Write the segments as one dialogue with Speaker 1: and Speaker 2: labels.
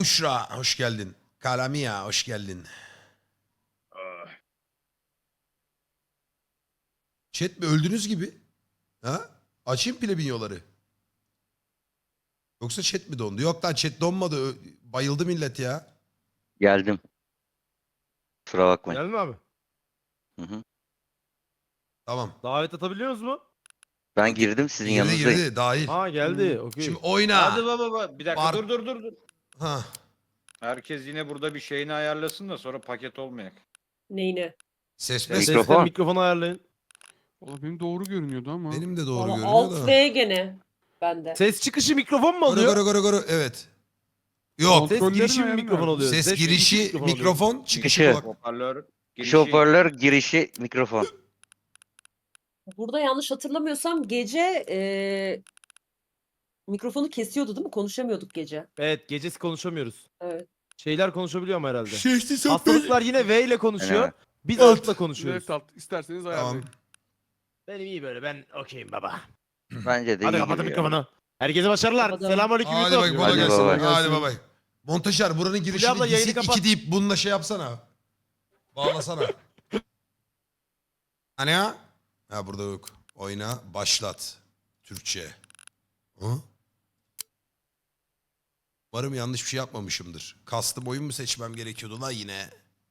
Speaker 1: Uşra hoş geldin. Kalamia hoş geldin. Chat mi öldünüz gibi? Ha? Açayım plebinyoları. Yoksa chat mi dondu? Yok lan chat donmadı. Bayıldı millet ya.
Speaker 2: Geldim. Kusura bakmayın.
Speaker 3: Geldin mi abi?
Speaker 2: Hı hı.
Speaker 1: Tamam.
Speaker 3: Davet atabiliyoruz mu?
Speaker 2: Ben girdim sizin
Speaker 1: Girdi
Speaker 2: yanınızdayım.
Speaker 1: girdi dahil.
Speaker 3: Ha geldi. Okey.
Speaker 1: Şimdi oyna.
Speaker 4: Hadi baba bir dakika
Speaker 1: Var-
Speaker 4: dur.
Speaker 1: Ha.
Speaker 4: Herkes yine burada bir şeyini ayarlasın da sonra paket olmayak.
Speaker 5: Neyini?
Speaker 1: Ses
Speaker 4: Ses-
Speaker 1: mes.
Speaker 2: Mikrofon.
Speaker 3: Mikrofonu ayarlayın.
Speaker 6: Valla benim doğru görünüyordu ama.
Speaker 1: Benim de doğru
Speaker 5: Valla
Speaker 1: görünüyor
Speaker 5: Alt
Speaker 1: da.
Speaker 5: V gene bende.
Speaker 3: Ses çıkışı mikrofon mu
Speaker 1: Goru
Speaker 3: alıyor?
Speaker 1: goru goru goru. Evet. Yok.
Speaker 3: Ses
Speaker 6: Kontrollerin
Speaker 3: girişi mi
Speaker 6: ayarını
Speaker 3: mikrofon
Speaker 6: ver.
Speaker 3: alıyor?
Speaker 1: Ses girişi
Speaker 3: alıyor.
Speaker 1: mikrofon, çıkışı
Speaker 2: Çıkışı.
Speaker 1: kulak.
Speaker 4: Hoparlör girişi.
Speaker 2: Şoförler girişi mikrofon.
Speaker 5: Burada yanlış hatırlamıyorsam gece mikrofonu kesiyordu değil mi? Konuşamıyorduk gece.
Speaker 3: Evet, gecesi konuşamıyoruz.
Speaker 5: Evet.
Speaker 3: Şeyler konuşabiliyor mu herhalde?
Speaker 1: Sesli sohbet.
Speaker 3: Hastalıklar yine V ile konuşuyor.
Speaker 2: Evet.
Speaker 3: Biz
Speaker 1: Evet.
Speaker 3: altla konuşuyoruz.
Speaker 6: Left alt isterseniz
Speaker 1: Tamam.
Speaker 6: ayarlayın.
Speaker 3: Benim iyi böyle. Ben okeyim baba.
Speaker 2: Bence de
Speaker 3: Hadi
Speaker 2: iyi
Speaker 3: kapatın
Speaker 2: gibi ya.
Speaker 3: mikrofonu. Herkese başarılar.
Speaker 5: Kapatalım.
Speaker 3: Selamünaleyküm.
Speaker 1: Hadi
Speaker 3: YouTube.
Speaker 1: bak kolay
Speaker 2: Hadi
Speaker 1: gelsin.
Speaker 2: baba.
Speaker 1: Hadi baba. Montajer buranın girişini
Speaker 3: abla, yayını
Speaker 1: gizli
Speaker 3: kapat.
Speaker 1: 2 deyip bununla şey yapsana. Bağlasana. Hani ya? Ha burada yok. Oyna başlat. Türkçe. Hı? Umarım yanlış bir şey yapmamışımdır. Custom oyun mu seçmem gerekiyordu la yine?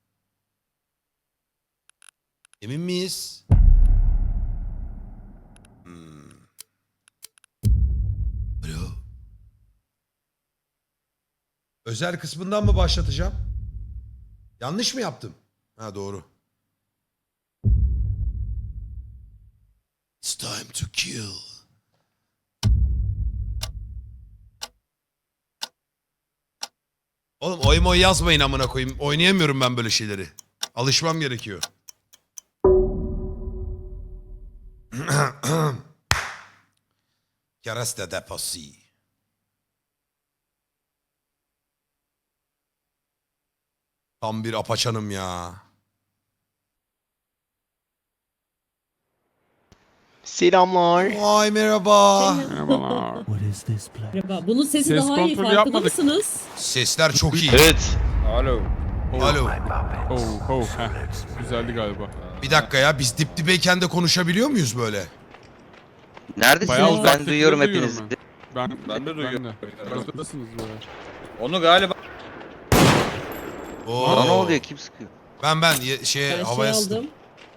Speaker 1: Emin miyiz? Alo. Özel kısmından mı başlatacağım? Yanlış mı yaptım? Ha doğru. It's time to kill. Oğlum oy yazmayın amına koyayım. Oynayamıyorum ben böyle şeyleri. Alışmam gerekiyor. Kereste deposu. Tam bir apaçanım ya.
Speaker 3: Selamlar.
Speaker 1: Vay merhaba.
Speaker 6: Merhabalar.
Speaker 5: Merhaba. Bunun sesi
Speaker 6: Ses
Speaker 5: daha iyi.
Speaker 6: kontrolü
Speaker 5: Farkında
Speaker 6: yapmadık.
Speaker 5: mısınız?
Speaker 1: Sesler çok iyi.
Speaker 2: Evet.
Speaker 4: Alo.
Speaker 1: Alo.
Speaker 6: Oh. Güzeldi galiba.
Speaker 1: Bir dakika ya biz dip dibeyken de konuşabiliyor muyuz böyle?
Speaker 2: Neredesiniz?
Speaker 6: Bayağı
Speaker 2: Ben
Speaker 6: uzaklıkta
Speaker 2: duyuyorum
Speaker 6: duyuyorum
Speaker 2: hepinizi.
Speaker 4: Ben de duyuyorum.
Speaker 6: Uzaktasınız böyle.
Speaker 4: Onu galiba
Speaker 1: Oo.
Speaker 2: Bana ne oluyor? Kim sıkıyor?
Speaker 1: Ben
Speaker 5: Ben
Speaker 1: havaya
Speaker 5: şey
Speaker 1: sıktım.
Speaker 5: aldım.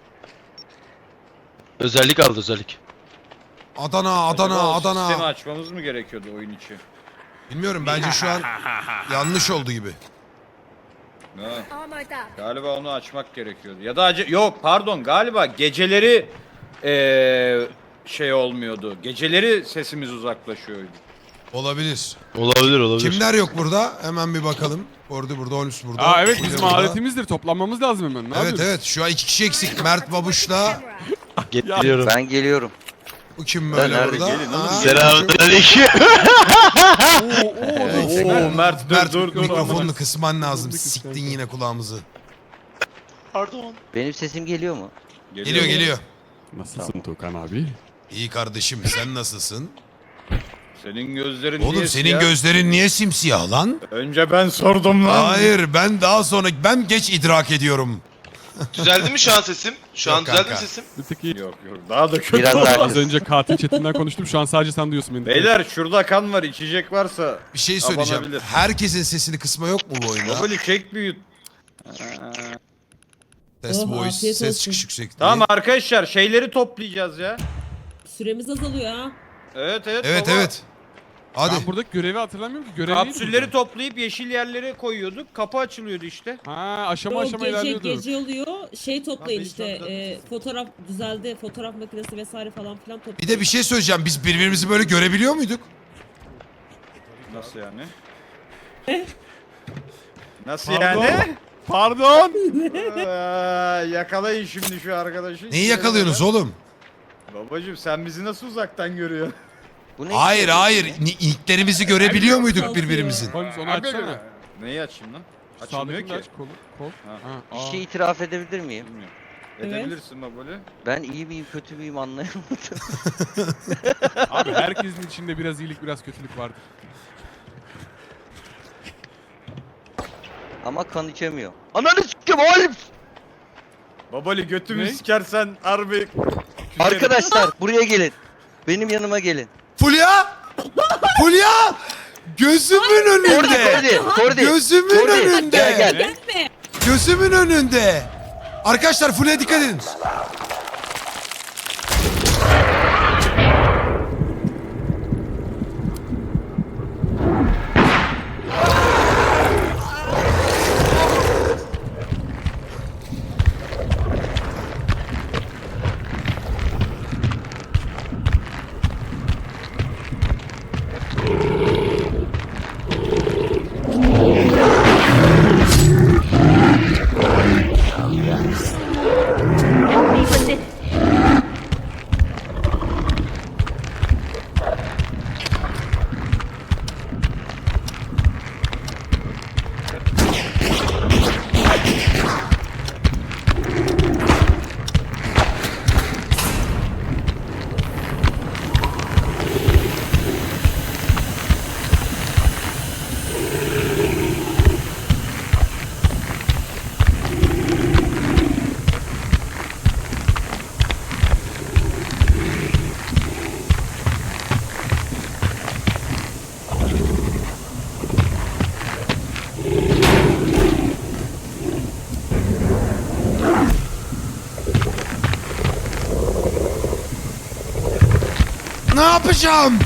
Speaker 7: Özellik aldı özellik.
Speaker 1: Adana.
Speaker 4: sistemi açmamız mı gerekiyordu oyun içi?
Speaker 1: Bilmiyorum bence şu an yanlış oldu gibi.
Speaker 4: Ha. Galiba onu açmak gerekiyordu. Ya da yok pardon galiba geceleri şey olmuyordu. Geceleri sesimiz uzaklaşıyordu.
Speaker 1: Olabilir.
Speaker 7: Olabilir.
Speaker 1: Kimler yok burada? Hemen bir bakalım. Burada, Holmes burada.
Speaker 6: Aa evet
Speaker 1: Fulya
Speaker 6: bizim
Speaker 1: burada.
Speaker 6: adetimizdir. Toplanmamız lazım hemen. Ne
Speaker 1: Evet
Speaker 6: yapıyoruz?
Speaker 1: şu an 2 kişi eksik. Mert Babuş'la
Speaker 7: Getiriyorum.
Speaker 2: Ben geliyorum.
Speaker 1: bu kim böyle
Speaker 2: nerede?
Speaker 1: burada?
Speaker 4: Gelin oğlum,
Speaker 1: Ha?
Speaker 7: Selamünaleyküm.
Speaker 4: Oo Mert dur.
Speaker 1: Mikrofonunu kısman lazım. Siktin yine kulağımızı.
Speaker 7: Pardon.
Speaker 2: Benim sesim geliyor mu?
Speaker 1: Geliyor.
Speaker 6: Nasılsın Tukan abi?
Speaker 1: İyi kardeşim sen nasılsın?
Speaker 4: Senin gözlerin
Speaker 1: Oğlum
Speaker 4: niye
Speaker 1: senin
Speaker 4: siyah?
Speaker 1: gözlerin niye simsiyah lan?
Speaker 4: Önce ben sordum lan.
Speaker 1: Hayır ben geç idrak ediyorum.
Speaker 7: Düzeldi mi şu an sesim? Şu an
Speaker 1: Yok
Speaker 7: düzeldi mi
Speaker 1: kanka.
Speaker 7: sesim?
Speaker 6: Bir tek iyi.
Speaker 4: Yok daha da kötü.
Speaker 2: Biraz daha
Speaker 6: Az önce katil chatinden konuştum. Şu an sadece sen duyuyorsun beni.
Speaker 4: Beyler şurada kan var içecek varsa.
Speaker 1: Bir şey söyleyeceğim.
Speaker 4: Abanabilir.
Speaker 1: Herkesin sesini kısma yok mu bu oyunda?
Speaker 4: Babali çek büyüt.
Speaker 1: Test
Speaker 5: Oh,
Speaker 1: voice,
Speaker 5: afiyet
Speaker 1: ses
Speaker 5: olsun.
Speaker 1: çıkış yüksek diye.
Speaker 4: Tamam arkadaşlar şeyleri toplayacağız ya.
Speaker 5: Süremiz azalıyor ha.
Speaker 4: Evet
Speaker 1: Evet
Speaker 4: baba.
Speaker 1: evet. Hadi.
Speaker 6: Ben buradaki görevi hatırlamıyorum ki. Görev neydi
Speaker 4: Kapsülleri
Speaker 6: burada?
Speaker 4: toplayıp yeşil yerlere koyuyorduk. Kapı açılıyordu işte.
Speaker 6: Ha aşama
Speaker 5: O
Speaker 6: aşama ilerliyorduk.
Speaker 5: gece oluyor. Şey toplayın
Speaker 4: Abi,
Speaker 5: işte.
Speaker 4: inşallah.
Speaker 5: Fotoğraf düzeldi. Fotoğraf makinesi vesaire falan filan toplayın.
Speaker 1: Bir de bir şey söyleyeceğim. Biz birbirimizi böyle görebiliyor muyduk?
Speaker 4: Nasıl yani? Nasıl
Speaker 6: Pardon?
Speaker 4: yani?
Speaker 6: Pardon.
Speaker 4: Yakalayın şimdi şu arkadaşı.
Speaker 1: Neyi yakalıyorsunuz oğlum?
Speaker 4: Babacım sen bizi nasıl uzaktan görüyorsun?
Speaker 2: Bu ne?
Speaker 1: Hayır. İlklerimizi görebiliyor muyduk birbirimizin?
Speaker 6: Holmes onu açsana.
Speaker 4: Neyi açayım lan? Açılmıyor
Speaker 6: Sağdakini de
Speaker 4: ki.
Speaker 6: aç kolu. Kol.
Speaker 4: Ha.
Speaker 6: Ha.
Speaker 2: Bir
Speaker 6: aa.
Speaker 2: şey itiraf edebilir miyim?
Speaker 4: Bilmiyorum.
Speaker 5: Evet.
Speaker 4: Edebilirsin babali.
Speaker 2: Ben iyi miyim kötü müyüm anlayamadım.
Speaker 6: Abi herkesin içinde biraz iyilik biraz kötülük vardır.
Speaker 2: Ama kan içemiyor. Ananı s**kim oğlum!
Speaker 4: Babali götümü
Speaker 6: Ne?
Speaker 4: sikersen harbi.
Speaker 2: Arkadaşlar buraya gelin. Benim yanıma gelin.
Speaker 1: Fulya! Fulya! Gözümün önünde.
Speaker 2: Kordi.
Speaker 1: Gözümün
Speaker 2: Kordi,
Speaker 1: önünde.
Speaker 2: gel, gel.
Speaker 5: Gelme.
Speaker 1: Gözümün önünde. Arkadaşlar Fulya'ya dikkat edin. Ne yapacağım?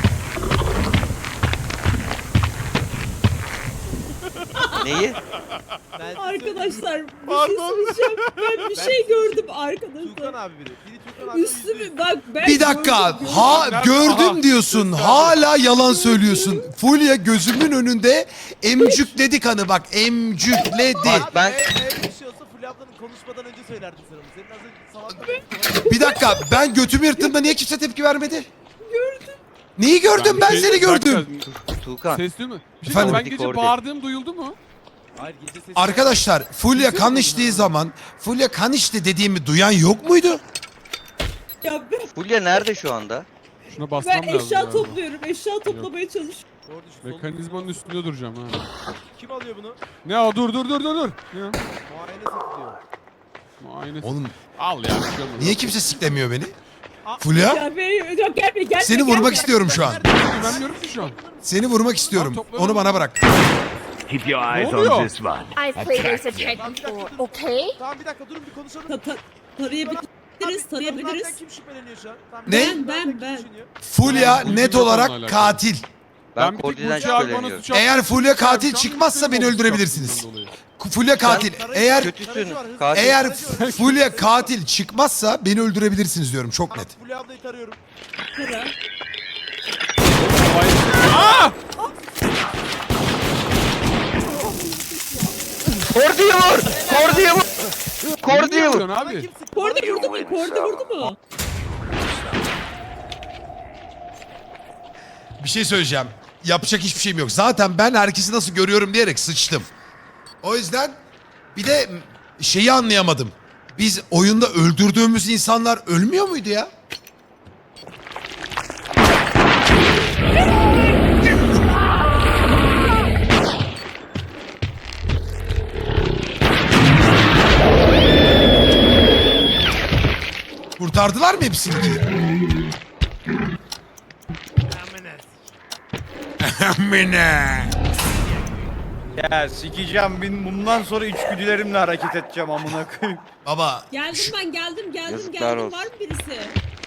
Speaker 2: Neyi?
Speaker 5: Arkadaşlar bir şey söyleyeceğim. Ben bir şey gördüm
Speaker 3: Tuğkan
Speaker 5: arkadaşlar.
Speaker 3: abi biri. Biri Tuğkan abi.
Speaker 5: Üstümü bak ben
Speaker 1: Bir dakika.
Speaker 5: gördüm.
Speaker 1: Ha gördüm
Speaker 6: Aha.
Speaker 1: diyorsun. Hala yalan söylüyorsun. Fulya gözümün önünde emcükledi kanı bak. Emcükledi.
Speaker 2: Bak ben
Speaker 3: Bir şey olsa Fulya ablanın konuşmadan önce söylerdim sana. Senin az önce salak.
Speaker 1: Bir dakika. Ben götümü yırttığımda niye kimse tepki vermedi? Gördüm. Neyi gördüm? Ben seni gördüm.
Speaker 2: Tuğkan.
Speaker 6: Ses değil mi? Bir şey
Speaker 1: Efendim?
Speaker 6: ben gece
Speaker 2: Kordi.
Speaker 6: bağırdığım duyuldu mu?
Speaker 3: Hayır gece sesi.
Speaker 1: Arkadaşlar Fulya kan içtiği zaman Fulya kan içti dediğimi duyan yok muydu?
Speaker 5: Ya ben,
Speaker 2: Fulya nerede şu anda?
Speaker 6: Şuna basmam
Speaker 5: ben
Speaker 6: lazım.
Speaker 5: eşya
Speaker 6: galiba.
Speaker 5: topluyorum. Eşya toplamaya çalışıyorum.
Speaker 3: Doğru düşün, sol-
Speaker 6: Mekanizmanın üstünde duracağım ha.
Speaker 3: Kim alıyor bunu?
Speaker 6: Ne o dur. Ne?
Speaker 3: Muayene satılıyor.
Speaker 6: Muayene.
Speaker 1: Oğlum
Speaker 6: Al ya. bir şey olmaz.
Speaker 1: niye kimse siklemiyor beni? Fulya
Speaker 5: Ya ben yok gelme.
Speaker 1: seni vurmak istiyorum şu an.
Speaker 6: Güvenmiyorum ki şu an.
Speaker 1: Seni vurmak istiyorum. Onu bana bırak.
Speaker 8: Keep your
Speaker 6: Ne
Speaker 8: eyes
Speaker 6: oluyor?
Speaker 8: on this one.
Speaker 9: I've played this attack before, okay?
Speaker 3: Tamam bir dakika durun bir konuşalım.
Speaker 5: Tarayabiliriz.
Speaker 3: Tarayabiliriz. Kim şüpheleniyor şu an? Tamam,
Speaker 1: Ne?
Speaker 3: kim
Speaker 5: Ben.
Speaker 3: düşünüyor?
Speaker 1: Fulya
Speaker 6: Bu
Speaker 1: net
Speaker 6: yok onunla
Speaker 1: olarak
Speaker 6: alakalı.
Speaker 1: katil.
Speaker 2: Ben
Speaker 6: bir tek
Speaker 2: Kordi'den
Speaker 6: Burç'u Alman'a
Speaker 2: şüpheleniyorum.
Speaker 6: suç attım.
Speaker 1: Eğer Fulya katil
Speaker 6: Şu an
Speaker 1: çıkmazsa beni
Speaker 6: mutluyum
Speaker 1: öldürebilirsiniz.
Speaker 6: suçtan dolayı.
Speaker 1: Fulya katil. Eğer
Speaker 2: Kötüsün. Katil.
Speaker 1: eğer Fulya katil çıkmazsa beni öldürebilirsiniz diyorum çok net.
Speaker 3: Fulya ablayı tarıyorum.
Speaker 5: Tara.
Speaker 2: Kordi'yi vur! Kordi'yi vur! Kordi'yi
Speaker 6: Ne
Speaker 2: vur!
Speaker 6: yapıyorsun abi?
Speaker 5: Kordi vurdu mu? Kordi vurdu mu?
Speaker 1: Bir şey söyleyeceğim. Yapacak hiçbir şeyim yok. Zaten ben herkesi nasıl görüyorum diyerek sıçtım. O yüzden bir de şeyi anlayamadım. Biz oyunda öldürdüğümüz insanlar ölmüyor muydu ya? Kurtardılar mı hepsini? Amine.
Speaker 4: Ya sikeceğim bundan sonra içgüdülerimle hareket edeceğim amına koyayım.
Speaker 1: Baba
Speaker 5: Geldim ben geldim.
Speaker 2: Yazıklar olsun.
Speaker 5: Var mı birisi?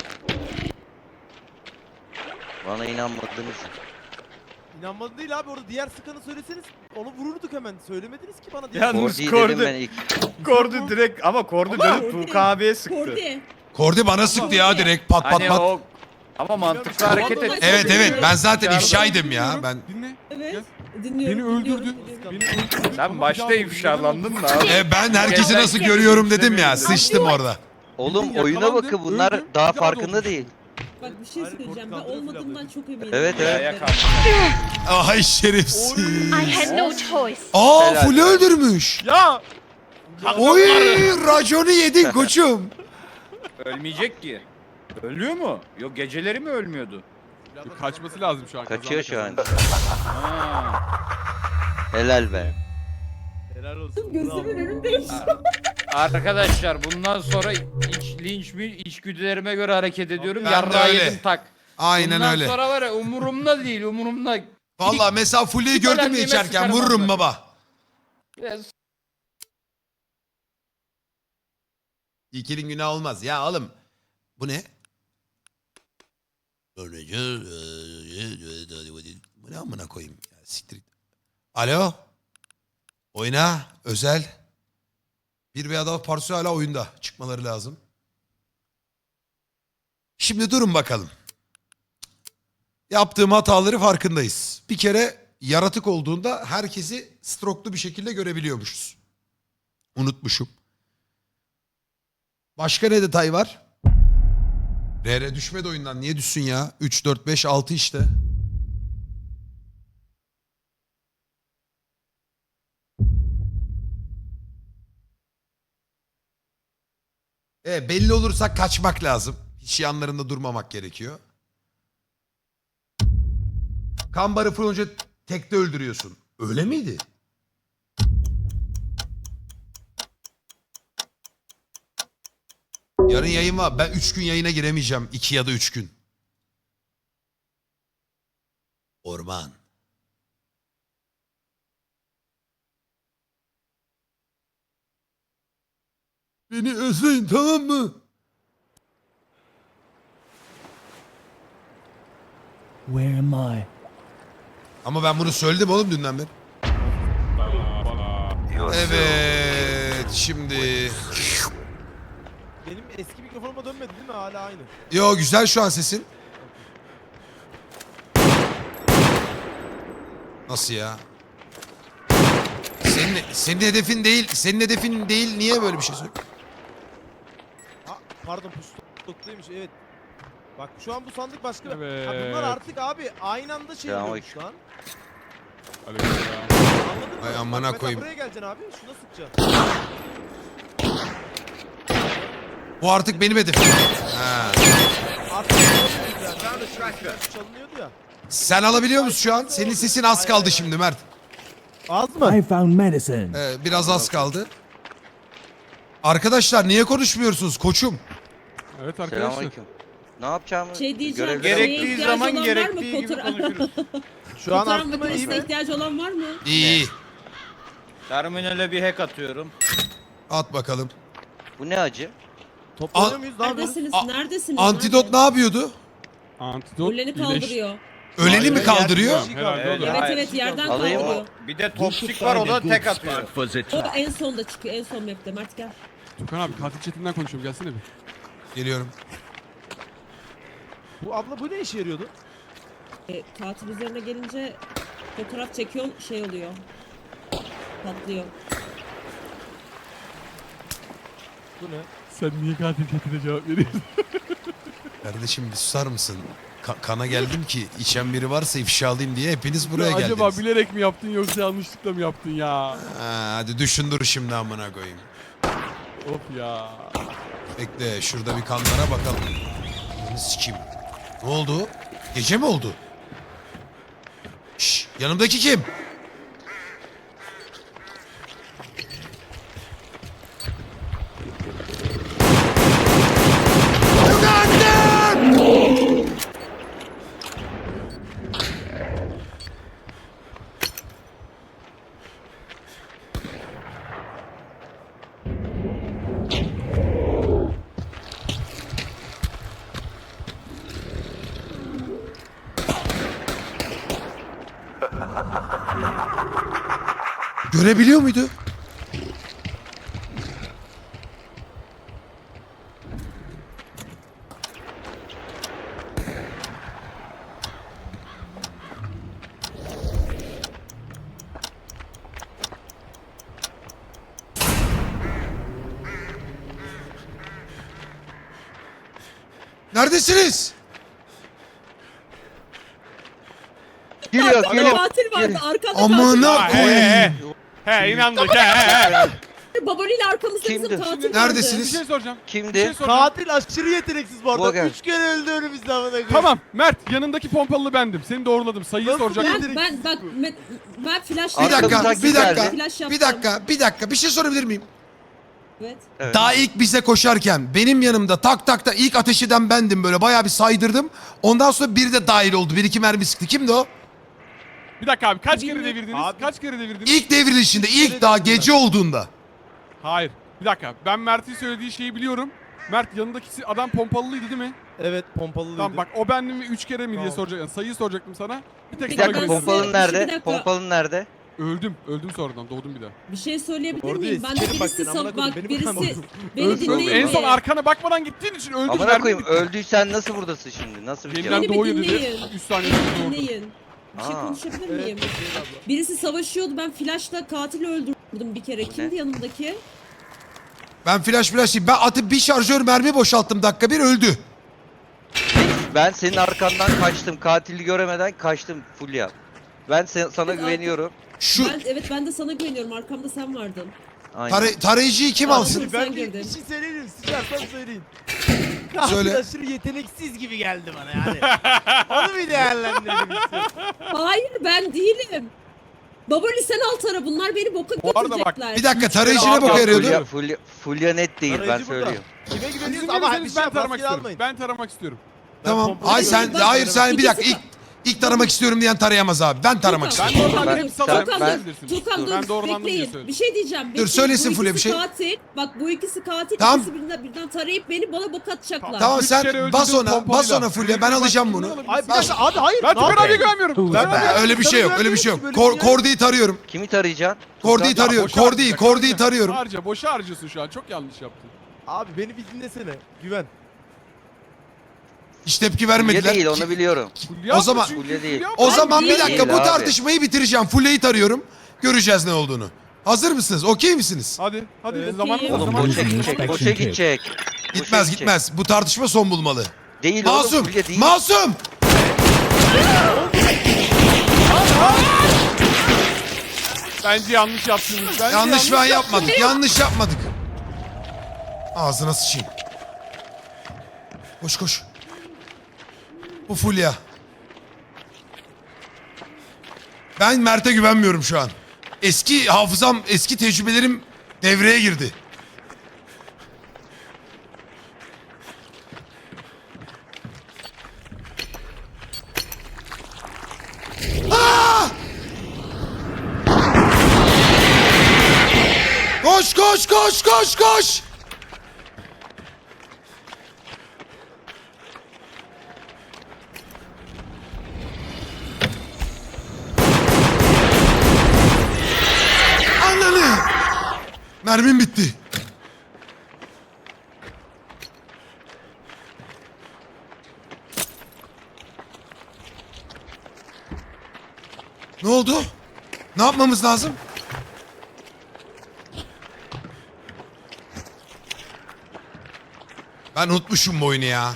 Speaker 2: Bana inanmadınız.
Speaker 3: İnanmadın değil abi orada diğer sıkanı söyleseniz onu vururduk hemen. Söylemediniz ki bana. diye.
Speaker 4: Yalnız
Speaker 2: Kordi'yi dedim ben
Speaker 4: Kordi,
Speaker 2: ilk.
Speaker 4: Kordi direkt ama Kordi dönüp
Speaker 5: Kordi-
Speaker 4: Tuğkan abiye sıktı.
Speaker 5: Kordi.
Speaker 1: Kordi bana sıktı ya direkt pat pat
Speaker 4: Hani
Speaker 1: pat.
Speaker 4: o ama mantıklı hareket et.
Speaker 1: Evet evet ben zaten
Speaker 4: Çağırdım.
Speaker 1: ifşaydım ya. Ben
Speaker 6: Dinle.
Speaker 5: Evet.
Speaker 6: Beni
Speaker 5: Dinliyorum.
Speaker 6: öldürdün. Beni öldürdün.
Speaker 4: Sen
Speaker 6: Ama
Speaker 4: başta
Speaker 6: bir daha
Speaker 4: ifşalandın da abi.
Speaker 1: ben herkesi nasıl görüyorum dedim ya. Sıçtım orada.
Speaker 2: Oğlum
Speaker 6: Bildin,
Speaker 2: oyuna
Speaker 6: yakalandın,
Speaker 2: bakın bunlar
Speaker 6: öldün,
Speaker 2: daha
Speaker 6: bir daha
Speaker 2: farkında
Speaker 6: doğmuş.
Speaker 2: değil.
Speaker 5: Bak bir şey
Speaker 3: Hayır,
Speaker 5: söyleyeceğim. Ben
Speaker 3: Kordi kaldırdı
Speaker 5: olmadığımdan
Speaker 3: bile.
Speaker 5: çok eminim.
Speaker 2: Evet, evet.
Speaker 4: Ya kaldı.
Speaker 1: Ay şerefsiz.
Speaker 9: I had no choice.
Speaker 1: Aa
Speaker 2: Helal.
Speaker 1: Fulya öldürmüş.
Speaker 4: Ya
Speaker 1: Oy raconu yedin koçum.
Speaker 4: ölmeyecek ki. Ölüyor mu? Yok geceleri mi ölmüyordu?
Speaker 6: Kaçması lazım şu an.
Speaker 2: Kaçıyor şu an.
Speaker 6: kazandı.
Speaker 4: Ha.
Speaker 2: Helal be.
Speaker 3: Helal olsun.
Speaker 5: Gözümün önünde.
Speaker 4: Arkadaşlar bundan sonra içgüdülerime göre hareket ediyorum.
Speaker 1: Ben de
Speaker 4: Yarrağı
Speaker 1: öyle.
Speaker 4: yedim tak.
Speaker 1: Aynen
Speaker 4: Bundan
Speaker 1: öyle.
Speaker 4: sonra var ya umurumda değil umurumda.
Speaker 1: Valla mesela Fulya'yı gördün mü
Speaker 4: Ölenliğime
Speaker 1: içerken
Speaker 4: sıkarım
Speaker 1: vururum
Speaker 4: onları.
Speaker 1: baba.
Speaker 4: Ya,
Speaker 1: İlkelin günah olmaz. Ya oğlum bu ne? Bu ne amına koyayım ya, siktir git. Alo. Oyna özel. Bir veya daha parça hala oyunda. Çıkmaları lazım. Şimdi durun bakalım. Yaptığım hataları farkındayız. Bir kere yaratık olduğunda herkesi stroklu bir şekilde görebiliyormuşuz. Unutmuşum. Başka ne detay var? RR düşmedi oyundan. Niye düşsün ya? 3, 4, 5, 6 işte. Belli olursak kaçmak lazım. Hiç yanlarında durmamak gerekiyor. Kambarı fırınca tekte öldürüyorsun. Öyle miydi? Yarın yayın var. Ben 3 gün yayına giremeyeceğim. 2 ya da 3 gün. Orman. Beni özleyin, tamam mı?
Speaker 8: Where am I?
Speaker 1: Ama ben bunu söyledim oğlum dünden beri. Evet şimdi.
Speaker 3: Benim eski mikrofonuma dönmedi değil mi? Hala aynı.
Speaker 1: Yo güzel şu an sesin. Nasıl ya? Senin hedefin değil. Senin hedefin değil. Niye böyle bir şey söylüyorsun?
Speaker 3: Ha, pardon pustokluymuş evet. Bak şu an bu sandık başka.
Speaker 6: Evet.
Speaker 3: Ha, bunlar artık abi aynı anda şey oluyormuş
Speaker 2: Selamünaleyküm.
Speaker 3: lan.
Speaker 6: Aleykümselam.
Speaker 3: Anladın mı?
Speaker 1: Ay amına
Speaker 3: Bak mesela
Speaker 1: koyayım.
Speaker 3: buraya geleceksin abi. Şuna sıkacaksın.
Speaker 1: Bu artık benim hedefim. Ha.
Speaker 3: Artık çalınıyordu ya.
Speaker 1: Sen alabiliyor musun şu an? Senin sesin az kaldı şimdi Mert.
Speaker 3: Az mı?
Speaker 8: I found medicine.
Speaker 1: Biraz az kaldı. Arkadaşlar niye konuşmuyorsunuz koçum?
Speaker 6: Evet arkadaşlar.
Speaker 2: Selamünaleyküm. Ne yapacağımı
Speaker 5: Şey diyeceğim.
Speaker 2: görevleri
Speaker 5: Şeye
Speaker 4: Gerektiği
Speaker 5: ihtiyacı
Speaker 4: zaman
Speaker 5: olan var
Speaker 4: gerektiği
Speaker 5: mı?
Speaker 4: gibi konuşuruz.
Speaker 3: Şu an
Speaker 5: Fotoğraf
Speaker 3: arttı mı iyi
Speaker 5: makinesine
Speaker 3: mi?
Speaker 5: ihtiyacı olan var mı?
Speaker 1: İyi.
Speaker 4: Terminale bir hack atıyorum.
Speaker 1: At bakalım.
Speaker 2: Bu ne acı?
Speaker 3: Toplanıyor muyuz? Ne yapıyoruz?
Speaker 5: Neredesiniz?
Speaker 1: A-
Speaker 5: Neredesiniz?
Speaker 1: Antidot ne yapıyordu?
Speaker 6: Antidot
Speaker 5: Öleni
Speaker 6: iyileş-
Speaker 5: kaldırıyor.
Speaker 1: Öleni mi kaldırıyor?
Speaker 6: Herhalde
Speaker 4: Evet,
Speaker 6: olur.
Speaker 5: Evet
Speaker 4: Hayır.
Speaker 5: evet yerden
Speaker 2: Alayım mı?
Speaker 5: kaldırıyor.
Speaker 4: Bir de topçuk var o da tek atıyor.
Speaker 5: O da en sonda çıkıyor. En son map'te. Mert gel.
Speaker 6: Tukan abi katil chatinden konuşuyorum gelsene bir.
Speaker 1: Geliyorum.
Speaker 3: Bu abla bu ne işe yarıyordu?
Speaker 5: Katil üzerine gelince fotoğraf çekiyorsun şey oluyor. Patlıyor.
Speaker 3: Bu ne?
Speaker 6: Sen niye katil chatine cevap veriyorsun?
Speaker 1: Kardeşim bir susar mısın? Kana geldim ki içen biri varsa ifşa alayım diye hepiniz buraya geldiniz.
Speaker 6: Acaba bilerek mi yaptın yoksa yanlışlıkla mı yaptın ya?
Speaker 1: Ha, hadi düşün dur şimdi amına koyayım.
Speaker 6: Of ya.
Speaker 1: Bekle şurada bir kanlara bakalım. Bunu sikeyim. Ne oldu? Gece mi oldu? Şşş yanımdaki kim? Görebiliyor muydu? Neredesiniz?
Speaker 2: Geliyor
Speaker 5: Arkada
Speaker 2: geliyor.
Speaker 5: katil vardı. Arkada
Speaker 1: Amına
Speaker 5: katil vardı.
Speaker 1: koyayım.
Speaker 4: He inandık he.
Speaker 5: Baboliyle arkamızda
Speaker 2: Kimdi?
Speaker 5: bizim katil vardı.
Speaker 1: Neredesiniz?
Speaker 6: Bir şey soracağım. Bir
Speaker 2: Kimdi?
Speaker 6: şey soracağım.
Speaker 3: Katil aşırı yeteneksiz bu arada.
Speaker 2: Logan.
Speaker 3: 3 kere öldü önümüzde amına koyayım.
Speaker 6: Tamam Mert yanındaki pompalı bendim. Seni doğruladım. Sayıyı
Speaker 3: Nasıl
Speaker 6: soracaktım.
Speaker 5: Ben flash
Speaker 1: Bir dakika,
Speaker 2: Arkamızdan
Speaker 1: bir dakika,
Speaker 2: geldi.
Speaker 5: Flash yaptım.
Speaker 1: bir dakika, bir dakika. Bir şey sorabilir miyim?
Speaker 5: Evet.
Speaker 2: Evet.
Speaker 1: Daha ilk bize koşarken benim yanımda tak tak da ilk ateş eden bendim böyle bayağı bir saydırdım. Ondan sonra biri de dahil oldu. Bir iki mermi sıktı. Kimdi o?
Speaker 6: Bir dakika abi kaç kere
Speaker 5: Bilmiyorum.
Speaker 6: devirdiniz?
Speaker 3: Abi.
Speaker 6: Kaç kere devirdiniz?
Speaker 1: İlk devrilişinde, ilk daha gece olduğunda.
Speaker 6: Hayır. Bir dakika. Ben Mert'in söylediği şeyi biliyorum. Mert yanındaki adam pompalıydı değil mi?
Speaker 3: Evet pompalıydı.
Speaker 6: Tamam bak o bendim mi 3 kere mi diye
Speaker 3: Tamam.
Speaker 6: soracaktım. Yani sayıyı soracaktım sana. Bir tek
Speaker 2: Bir
Speaker 6: sana
Speaker 2: dakika
Speaker 5: Ben
Speaker 6: güveniyorum.
Speaker 5: size-
Speaker 2: pompalın
Speaker 5: bir
Speaker 2: nerede?
Speaker 5: dakika.
Speaker 2: Pompalın nerede?
Speaker 6: Öldüm sonradan doğdum bir daha.
Speaker 5: Bir şey söyleyebilir
Speaker 3: Orada
Speaker 5: miyim? Ben de
Speaker 3: sikerim bak
Speaker 5: birisi
Speaker 3: seni, amına koyayım,
Speaker 5: bak
Speaker 3: beni
Speaker 5: birisi
Speaker 3: bırakma.
Speaker 5: beni
Speaker 6: Öldüm.
Speaker 5: dinleyin.
Speaker 6: En son
Speaker 5: mi?
Speaker 6: arkana bakmadan gittiğin için öldüm.
Speaker 2: Amına koyayım öldüysen nasıl buradasın şimdi? Nasıl bir şey?
Speaker 6: Yeniden
Speaker 5: Beni bir
Speaker 6: doğuyor dedi.
Speaker 5: dinleyin.
Speaker 6: 3 saniye sonra doğdum.
Speaker 5: Dinleyin. Bir şey
Speaker 2: Aa.
Speaker 5: konuşabilir
Speaker 3: Evet.
Speaker 5: miyim?
Speaker 3: Zeynep abla.
Speaker 5: Birisi savaşıyordu. Ben flashla katili öldürdüm bir kere. Kimdi yanımdaki?
Speaker 1: Ben flash değil. Ben atıp bir şarjör mermi boşalttım dakika bir öldü.
Speaker 2: Ben senin arkandan kaçtım. Katili göremeden kaçtım Fulya. Ben sana
Speaker 5: Evet,
Speaker 2: güveniyorum.
Speaker 1: Şu
Speaker 5: Ben de sana güveniyorum. Arkamda sen vardın.
Speaker 2: Aynen.
Speaker 1: tarayıcıyı kim alsın?
Speaker 5: Sen
Speaker 3: Ben bir
Speaker 5: girdin.
Speaker 3: şey söyleyeyim. Sıcarsam söyleyin. Katil
Speaker 1: Söyle.
Speaker 3: aşırı yeteneksiz gibi geldi bana yani. Onu bir değerlendirelim istiyorum.
Speaker 5: Hayır ben değilim. Baboli sen alt ara. Bunlar beni boka
Speaker 6: Bu arada bak,
Speaker 5: götürecekler.
Speaker 1: Bir dakika tarayıcı ne
Speaker 6: Abi,
Speaker 1: boka yarıyordu?
Speaker 2: Fulya net değil ben
Speaker 3: Aracı burada.
Speaker 2: söylüyorum.
Speaker 3: Kime
Speaker 6: Sizin
Speaker 3: güveniyorsun ama bir
Speaker 6: gelirseniz
Speaker 3: şey
Speaker 6: ben taramak
Speaker 3: maskeli
Speaker 6: istiyorum.
Speaker 3: almayın.
Speaker 6: Ben taramak istiyorum.
Speaker 1: Tamam.
Speaker 3: pompalı
Speaker 1: Hayır sen
Speaker 3: değilim.
Speaker 1: hayır sen bir dakika
Speaker 5: İkisi
Speaker 1: ilk taramak istiyorum diyen tarayamaz abi. Ben taramak
Speaker 5: Tukan,
Speaker 1: istiyorum.
Speaker 6: Ben normalde
Speaker 2: Ben-
Speaker 6: hep salarım.
Speaker 2: ben-
Speaker 6: Ben bilirsin.
Speaker 5: Tukan dur
Speaker 6: Ben doğrulandım diye
Speaker 5: bekleyin.
Speaker 6: söyledim.
Speaker 5: Bir şey diyeceğim. Bekleyin.
Speaker 1: söylesin
Speaker 5: Bu
Speaker 1: Fulya bir
Speaker 5: ikisi
Speaker 1: şey.
Speaker 5: Katil. Bak bu ikisi katil.
Speaker 1: Tamam.
Speaker 5: İkisi birden tarayıp beni bana bok atacaklar.
Speaker 1: Tamam
Speaker 6: Üç kere
Speaker 1: sen
Speaker 6: öldürdüm
Speaker 1: bas ona
Speaker 6: pompalıyla.
Speaker 1: Fulya ben alacağım bunu.
Speaker 3: Ay bir dakika abi hayır.
Speaker 6: Ben
Speaker 3: ne
Speaker 6: Tukan abiye
Speaker 3: yapıyorsun?
Speaker 6: güvenmiyorum.
Speaker 1: Öyle bir şey yok öyle bir şey yok.
Speaker 3: Böyle bir şey yok.
Speaker 1: Kordi'yi tarıyorum.
Speaker 2: Kimi tarayacaksın?
Speaker 1: Kordi'yi tarıyorum. Kordi'yi tarıyorum.
Speaker 6: Harca boşa harcıyorsun şu an. Çok yanlış yaptın.
Speaker 3: Abi beni bir dinlesene. Güven.
Speaker 1: Hiç tepki
Speaker 2: Fulya
Speaker 1: vermediler.
Speaker 2: değil onu biliyorum.
Speaker 6: Fulya
Speaker 1: O zaman-
Speaker 6: çünkü,
Speaker 2: Fulya değil.
Speaker 1: O zaman bir
Speaker 5: Değil
Speaker 1: dakika bu
Speaker 2: abi.
Speaker 1: tartışmayı bitireceğim. Fulya'yı tarıyorum. Göreceğiz ne olduğunu. Hazır mısınız? Okey misiniz?
Speaker 6: Hadi
Speaker 5: Evet.
Speaker 6: zamanımız var.
Speaker 2: Oğlum
Speaker 6: Zamanımız
Speaker 2: boşa
Speaker 6: var.
Speaker 2: gidecek. Boşa gidecek.
Speaker 1: Gitmez
Speaker 2: gidecek.
Speaker 1: gitmez. Bu tartışma son bulmalı.
Speaker 2: Değil
Speaker 1: Masum!
Speaker 2: oğlum Fulya değil.
Speaker 1: Masum!
Speaker 6: Bence yanlış yaptınız. Bence
Speaker 1: Yanlış falan yapmadık. Yanlış yapmadık. Ağzına sıçayım. Koş koş. Bu Fulya. Ben Mert'e güvenmiyorum şu an. Eski hafızam, eski tecrübelerim devreye girdi. Aa! Koş koş koş koş koş. Ananı. Mermim bitti. Ne oldu? Ne yapmamız lazım? Ben unutmuşum bu oyunu ya.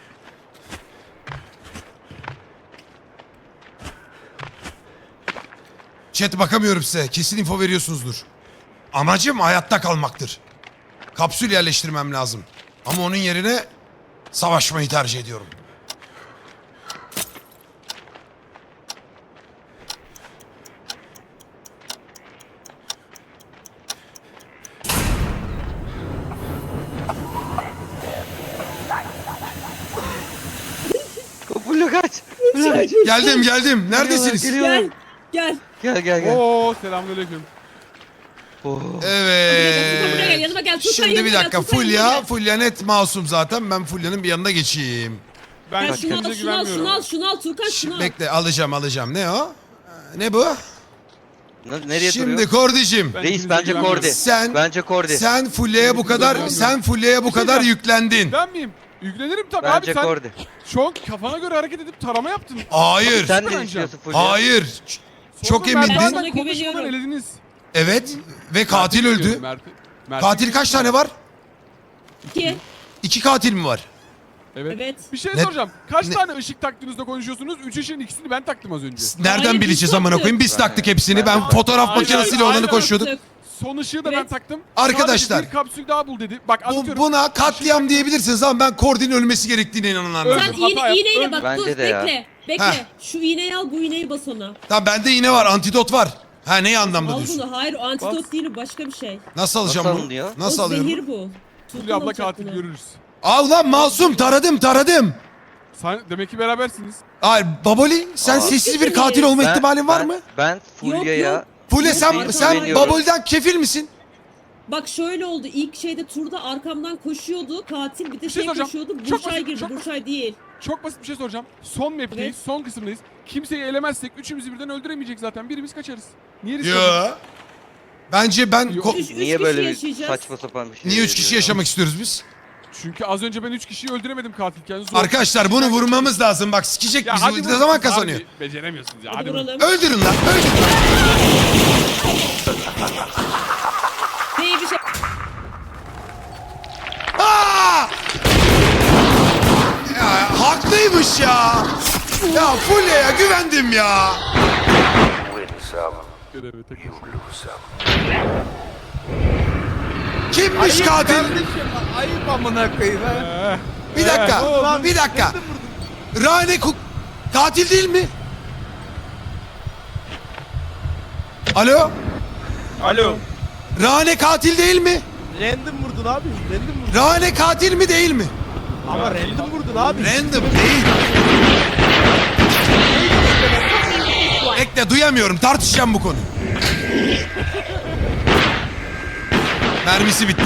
Speaker 1: Chat bakamıyorum size. Kesin info veriyorsunuzdur. Amacım hayatta kalmaktır. Kapsül yerleştirmem lazım. Ama onun yerine savaşmayı tercih ediyorum.
Speaker 2: Fulya kaç. Fulya kaç.
Speaker 1: Geldim. Neredesiniz?
Speaker 2: Geliyorum.
Speaker 5: Gel.
Speaker 2: Gel.
Speaker 6: Oo selamünaleyküm.
Speaker 2: Oh.
Speaker 5: Tukan buraya gel
Speaker 1: Evet.
Speaker 5: yanıma gel. Tukan
Speaker 1: Şimdi bir
Speaker 5: yanıma gel,
Speaker 1: dakika.
Speaker 5: Tukan yanıma gel.
Speaker 1: Fulya net masum zaten. Ben Fulya'nın bir yanına geçeyim.
Speaker 6: Ben
Speaker 5: Gel şunu al,
Speaker 6: kendinize
Speaker 5: şunu al,
Speaker 6: güvenmiyorum.
Speaker 5: şunu al, Tukan şunu
Speaker 1: Şimdi
Speaker 5: al.
Speaker 1: bekle alacağım. Ne o? Ne bu?
Speaker 2: Nereye
Speaker 1: Şimdi
Speaker 2: duruyor?
Speaker 1: Kordi'cim.
Speaker 6: Ben
Speaker 2: Reis
Speaker 6: ikinize
Speaker 2: bence
Speaker 6: güvenmiyorum.
Speaker 2: Kordi.
Speaker 1: Sen
Speaker 2: Bence Kordi.
Speaker 1: sen Fulya'ya bu kadar
Speaker 6: Bir şey diyeceğim.
Speaker 1: yüklendin.
Speaker 6: Ben miyim? Yüklenirim tabii
Speaker 2: Bence
Speaker 6: abi sen
Speaker 2: Kordi.
Speaker 6: şu an kafana göre hareket edip tarama yaptın.
Speaker 1: Hayır.
Speaker 2: Sen
Speaker 6: bence.
Speaker 2: ne düşünüyorsun Fulya?
Speaker 1: Hayır. Çok
Speaker 6: Sonra Mert
Speaker 1: emindin.
Speaker 5: Sana
Speaker 6: Hakan'la konuşmadan
Speaker 5: güveniyorum.
Speaker 6: elediniz.
Speaker 1: Evet. Ve katil öldü. Katil kaç tane var?
Speaker 5: 2.
Speaker 1: 2 katil mi var?
Speaker 6: Evet.
Speaker 5: Evet.
Speaker 6: Bir şey
Speaker 1: Ne-
Speaker 6: soracağım. Kaç
Speaker 1: ne-
Speaker 6: tane ışık taktığınızda konuşuyorsunuz? 3 ışığın ikisini ben taktım az önce.
Speaker 1: Nereden
Speaker 5: Hayır,
Speaker 1: bileceğiz
Speaker 5: biz
Speaker 1: amına
Speaker 5: taktık.
Speaker 1: koyayım? Biz taktık hepsini. Ben fotoğraf
Speaker 6: Hayır,
Speaker 1: makinesiyle
Speaker 6: hayır,
Speaker 1: olanı koşuyorduk.
Speaker 6: son ışığı da ben
Speaker 5: Evet.
Speaker 6: taktım.
Speaker 1: Arkadaşlar.
Speaker 6: Sadece bir kapsül daha bul dedi. Bak anlatıyorum.
Speaker 1: Buna katliam diyebilirsiniz ama ben Kordin ölmesi gerektiğine inananlarım.
Speaker 6: Öldü.
Speaker 5: Sen
Speaker 6: Hata yap,
Speaker 5: iğneyle
Speaker 6: öldü.
Speaker 5: bak
Speaker 2: Bence
Speaker 5: dur
Speaker 2: de ya.
Speaker 5: bekle. Bekle.
Speaker 1: Heh.
Speaker 5: Şu iğneyi al, bu iğneyi bas ona.
Speaker 1: Tamam bende iğne var, antidot var. Ha neyi anlamda
Speaker 5: Al
Speaker 1: diyorsun?
Speaker 5: bunu. Hayır o antidot
Speaker 6: Bas.
Speaker 5: değil, o başka bir şey.
Speaker 1: Nasıl alacağım
Speaker 2: Nasıl
Speaker 1: bunu?
Speaker 2: alınıyor?
Speaker 1: Nasıl
Speaker 5: o
Speaker 1: alıyorum?
Speaker 5: zehir bu.
Speaker 6: Fulya abla
Speaker 5: alacak
Speaker 6: katil
Speaker 5: bunu.
Speaker 6: görürüz.
Speaker 1: Al lan masum, taradım.
Speaker 6: Sen demek ki berabersiniz.
Speaker 1: Hayır Baboli sen
Speaker 2: Aa.
Speaker 1: sessiz bir katil olma ihtimalin var mı?
Speaker 2: Ben Fulya'ya
Speaker 5: yok.
Speaker 1: Fule
Speaker 5: Yok,
Speaker 1: sen
Speaker 5: arkadaşlar.
Speaker 1: Baboli'den kefil misin?
Speaker 5: Bak şöyle oldu. İlk şeyde turda arkamdan koşuyordu. Katil bir de
Speaker 6: Bir şey
Speaker 5: şey
Speaker 6: soracağım.
Speaker 5: koşuyordu.
Speaker 6: Çok
Speaker 5: Burçay
Speaker 6: basit,
Speaker 5: girdi.
Speaker 6: çok
Speaker 5: Burçay değil.
Speaker 6: Çok basit bir şey soracağım. Son map'teyiz,
Speaker 5: Evet.
Speaker 6: son kısımdayız. Kimseyi elemezsek üçümüzü birden öldüremeyecek zaten. Birimiz kaçarız. Niye risk alıyorsun?
Speaker 1: Yo. Bence ben
Speaker 6: Yok.
Speaker 5: Üç
Speaker 2: Niye
Speaker 5: kişi
Speaker 2: böyle bir
Speaker 5: yaşayacağız.
Speaker 2: saçma sapan bir şey?
Speaker 1: niye 3 kişi
Speaker 2: veriyor ya?
Speaker 1: yaşamak istiyoruz biz?
Speaker 6: Çünkü az önce ben 3 kişiyi öldüremedim katilken. Zor.
Speaker 1: Arkadaşlar bunu vurmamız lazım. Bak sikecek
Speaker 6: Ya
Speaker 1: bizi.
Speaker 6: hadi
Speaker 1: Ne
Speaker 6: vurun.
Speaker 1: zaman
Speaker 6: Harbi
Speaker 1: kazanıyor?
Speaker 6: Beceremiyorsunuz ya.
Speaker 5: Hadi
Speaker 6: Hadi vurun.
Speaker 5: vuralım.
Speaker 1: Öldürün lan.
Speaker 5: Değil bir şey.
Speaker 1: Aa! Ya haklıymış ya. Ya Fulya'ya güvendim ya.
Speaker 6: Görevi tek başına.
Speaker 1: Kimmiş katil?
Speaker 4: Kardeşim ayıp amına koyayım ha.
Speaker 1: Bir dakika. Bir dakika. Rane katil değil mi? Alo?
Speaker 4: Alo.
Speaker 1: Rane katil değil mi?
Speaker 3: Random vurdun abi. Random vurdun.
Speaker 1: Rane katil mi değil mi?
Speaker 3: Ama random vurdun abi.
Speaker 1: Random değil. Bekle duyamıyorum. Tartışacağım bu konuyu. Mermisi bitti.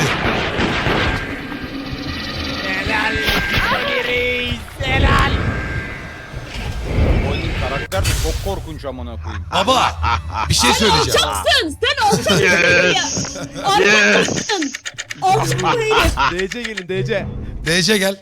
Speaker 4: Karakter de çok korkunç amına koyayım.
Speaker 1: Baba bir şey söyleyeceğim.
Speaker 5: Alçaksın. Sen alçaksın.
Speaker 7: Yes.
Speaker 5: Alçaksın. Alçak herif.
Speaker 3: DC gelin DC.
Speaker 1: DC gel.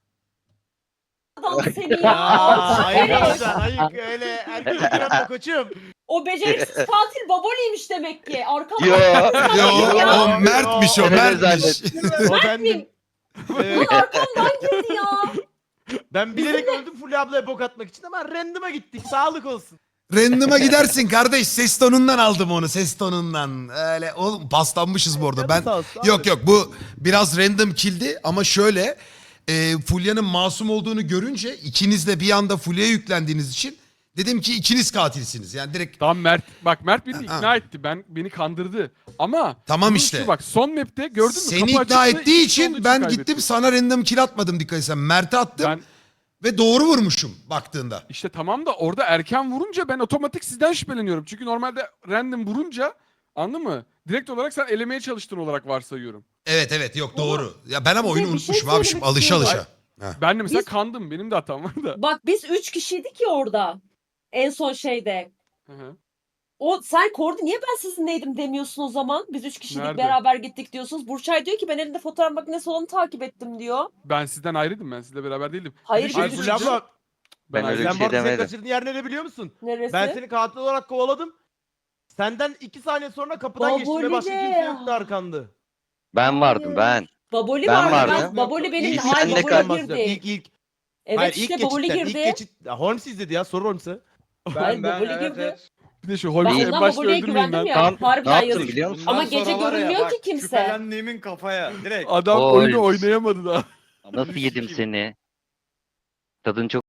Speaker 5: Adam seni
Speaker 3: Aa,
Speaker 5: ya.
Speaker 3: ayık olacaksın ayık öyle. Herkes yapma koçum.
Speaker 5: O beceriksiz katil baboliymiş demek ki. Arkamdan.
Speaker 2: Yo.
Speaker 1: Yo, o Mert'miş o
Speaker 2: Öyle
Speaker 1: Mert'miş.
Speaker 3: O bendim. Evet.
Speaker 5: Arkamdan girdi ya.
Speaker 3: Ben bilerek öldüm Fulya ablaya bok atmak için ama random'a gittik. Sağlık olsun.
Speaker 1: Random'a gidersin kardeş. Ses tonundan aldım onu. Ses tonundan. Öyle oğlum paslanmışız bu arada. Ben
Speaker 3: Sağ olsun abi.
Speaker 1: yok bu biraz random kill'di ama şöyle Fulya'nın masum olduğunu görünce ikiniz de bir anda Fulya'ya yüklendiğiniz için dedim ki ikiniz katilsiniz. Yani direkt
Speaker 6: Tamam Mert. Bak Mert beni
Speaker 1: Ha.
Speaker 6: ikna etti. Beni kandırdı. Ama
Speaker 1: Tamam
Speaker 6: bunun
Speaker 1: işte.
Speaker 6: şu bak son map'te gördün mü?
Speaker 1: seni
Speaker 6: Kapı
Speaker 1: ikna
Speaker 6: açıktı,
Speaker 1: ettiği
Speaker 6: ikisi olduğu
Speaker 1: için ben
Speaker 6: kaybettim.
Speaker 1: gittim sana random kill atmadım dikkat etsen. Mert'e attım
Speaker 6: Ben
Speaker 1: ve doğru vurmuşum baktığında.
Speaker 6: işte tamam da orada erken vurunca ben otomatik sizden şüpheleniyorum. Çünkü normalde random vurunca anladın mı? Direkt olarak sen elemeye çalıştın olarak varsayıyorum.
Speaker 1: Evet yok doğru. Ya ben ama
Speaker 5: Bir
Speaker 1: oyunu
Speaker 5: de bir şey
Speaker 1: unutmuşum abi şimdi
Speaker 5: söylemek
Speaker 1: alışa
Speaker 5: istiyorum.
Speaker 1: alışa.
Speaker 6: Ben de mesela
Speaker 5: Biz-
Speaker 6: kandım. Benim de hatam var da.
Speaker 5: Bak biz 3 kişiydik ya orada. En son şeyde.
Speaker 6: Hı hı.
Speaker 5: O sen Kordi niye ben sizinleydim demiyorsun o zaman? Biz 3 kişiydik
Speaker 6: Nerede?
Speaker 5: beraber gittik diyorsunuz. Burçay diyor ki ben elinde fotoğraf makinesi olanı takip ettim diyor.
Speaker 6: Ben sizden ayrıydım. Ben sizle beraber değildim.
Speaker 5: Hayır,
Speaker 6: Bir de
Speaker 5: biz
Speaker 6: şey
Speaker 5: üç
Speaker 3: Fulya
Speaker 6: söyleyeceğim.
Speaker 3: abla
Speaker 6: Ben
Speaker 2: Ben öyle
Speaker 6: ayrıydım.
Speaker 2: bir
Speaker 3: sen
Speaker 2: şey
Speaker 3: bana seni
Speaker 2: demedim.
Speaker 3: kaçırdığın yer ne biliyor musun?
Speaker 5: Neresi?
Speaker 3: Ben seni katil olarak kovaladım. Senden 2 saniye sonra kapıdan geçtim ve başka
Speaker 5: Baboli
Speaker 3: kimse
Speaker 5: de.
Speaker 3: yoktu arkanda.
Speaker 2: Ben vardım ben.
Speaker 5: Baboli
Speaker 2: Ben
Speaker 5: vardı.
Speaker 2: vardım.
Speaker 5: Baboli benim.
Speaker 3: İlk
Speaker 5: Hayır
Speaker 2: senle
Speaker 5: Baboli
Speaker 3: bahsediyorum.
Speaker 5: girdi.
Speaker 3: İlk.
Speaker 5: Evet
Speaker 3: Hayır,
Speaker 5: işte
Speaker 3: ilk
Speaker 5: Baboli
Speaker 3: geçitten,
Speaker 5: girdi.
Speaker 3: ilk geçit. Ya, Holmes izledi ya sor Holmes'e.
Speaker 5: Hayır, Baboli girdi.
Speaker 6: Bir de şu
Speaker 5: Ben
Speaker 6: Holmes'i en
Speaker 5: ondan
Speaker 6: başta
Speaker 5: Baboli'ye
Speaker 6: öldürmeyin
Speaker 5: güvendim
Speaker 6: lan.
Speaker 5: ya.
Speaker 2: Tam- Ne
Speaker 5: Harbiden
Speaker 2: yaptım
Speaker 5: yazık.
Speaker 2: biliyor musun?
Speaker 5: Ama
Speaker 4: Bundan
Speaker 5: gece
Speaker 4: sonra var ya,
Speaker 5: görünmüyor
Speaker 4: bak,
Speaker 5: ki kimse.
Speaker 4: Şüphelendiğimin kafaya direkt.
Speaker 6: Adam
Speaker 2: Oy.
Speaker 6: oyunu oynayamadı daha.
Speaker 2: Nasıl yedim seni? Tadın çok